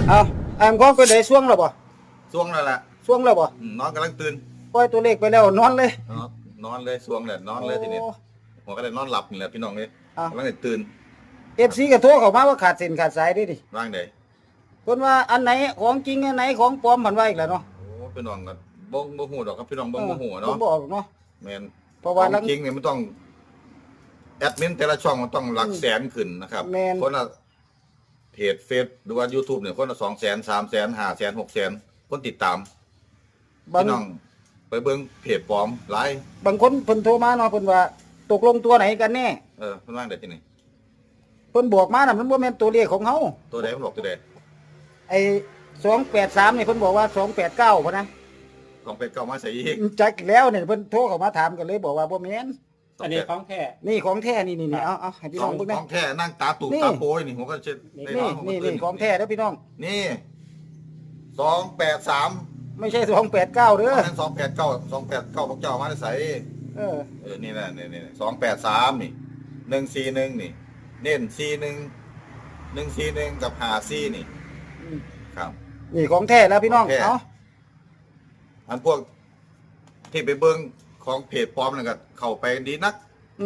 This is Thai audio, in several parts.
เอาของไปได้ช่วงแล้วบ่ช่วงแล้วล่ะช่วงแล้วบ่นอนกำลังตื่นปล่อยตัวเลขไปแล้วนอนเลยนอนเลยช่วงเลยนอนเลยทีนี้หัวก็เลยนอนหลับนี่แหละพี่น้องเลยกำลังตื่น FC ก็โทรเข้ามาว่าขาดเส้นขาดสายด้วยดิร่างใดเพิ่นว่าอันไหนของจริงอันไหนของปลอมมันว่าอีกแล้วเนาะโอ้พี่น้องก็บ่ฮู้ดอกครับพี่น้องบ่ฮู้เนาะบ่บอกเนาะแม่นเพราะว่าจริงเนี่ยมันต้องแอดมินแต่ละช่องมันต้องหลักแสนขึ้นนะครับคนละเพจเฟซหรือว่า YouTube เนี่ยคนละ200,000 300,000 500,000 600,000คนติดตามพี่น้องไปเบิ่งเพจปลอมหลายบางคนเพิ่นโทรมาเนาะเพิ่นว่าตกลงตัวไหนกันแน่เพิ่นว่าได้ที่นี่เพิ่นบอกมาน่ะมันบ่แม่นตัวเลขของเฮาตัวใดเพิ่นบอกตัวใดไอ้283นี่เพิ่นบอกว่า289พุ่นนะ 289มาใส่อีกจักแล้วเนี่ยเพิ่นโทรเข้ามาถามกันเลยบอกว่าบ่แม่นอันนี้ของแท้นี่ของแท้นี่เอาให้พี่น้องเบิ่งนะของแท้นั่งตาตูบตาโปยนี่ผมก็เช็ดนี่ของแท้เด้อพี่น้องนี่283 ไม่ใช่289เด้อนั่น289พวกเจ้ามาใส่นี่นะนี่283นี่141นี่เน้น41 141กับ54นี่ครับนี่ของแท้แล้วพี่น้องเอาอันพวกที่ไปเบิ่งของเพจปลอมนั่นก็เข้าไปดีนัก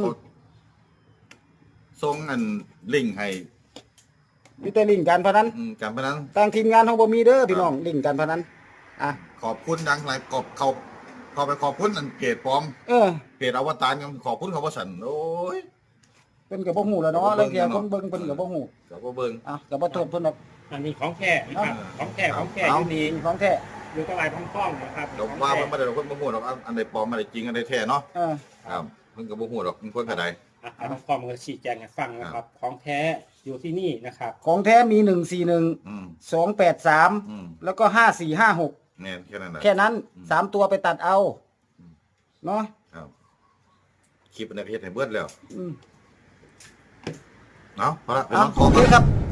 ส่งอันลิงก์ให้มีแต่ลิงก์การพนันการพนันทางทีมงานของบ่มีเด้อพี่น้องลิงก์การพนันขอบคุณดังหลายเข้าไปขอบคุณอันเพจปลอมเพจอวตารกันขอบคุณเขาว่าสั่นโอ้ยเพิ่นก็บ่ฮู้แล้วเนาะแล้วเที่ยคนเบิ่งเพิ่นก็บ่ฮู้ก็บ่เบิ่งก็บ่โทษเพิ่นดอกอันนี้ของแท้นะครับของแท้อยู่นี่ของแท้อยู่ตรงไหนพ้องๆนะครับดอกว่ามันบ่ได้คนบ่ฮู้ดอกอันใดปลอมอันใดจริงอันใดแท้เนาะครับเพิ่นก็บ่ฮู้ดอกเพิ่นก็ได้พ้องๆมันชี้แจงให้ฟังนะครับของแท้อยู่ที่นี่นะครับของแท้มี141 283แล้วก็5456แค่นั้น3ตัวไปตัดเอาเนาะครับคลิปในเพจให้เบิดแล้วเนาะพอละโอเคครับ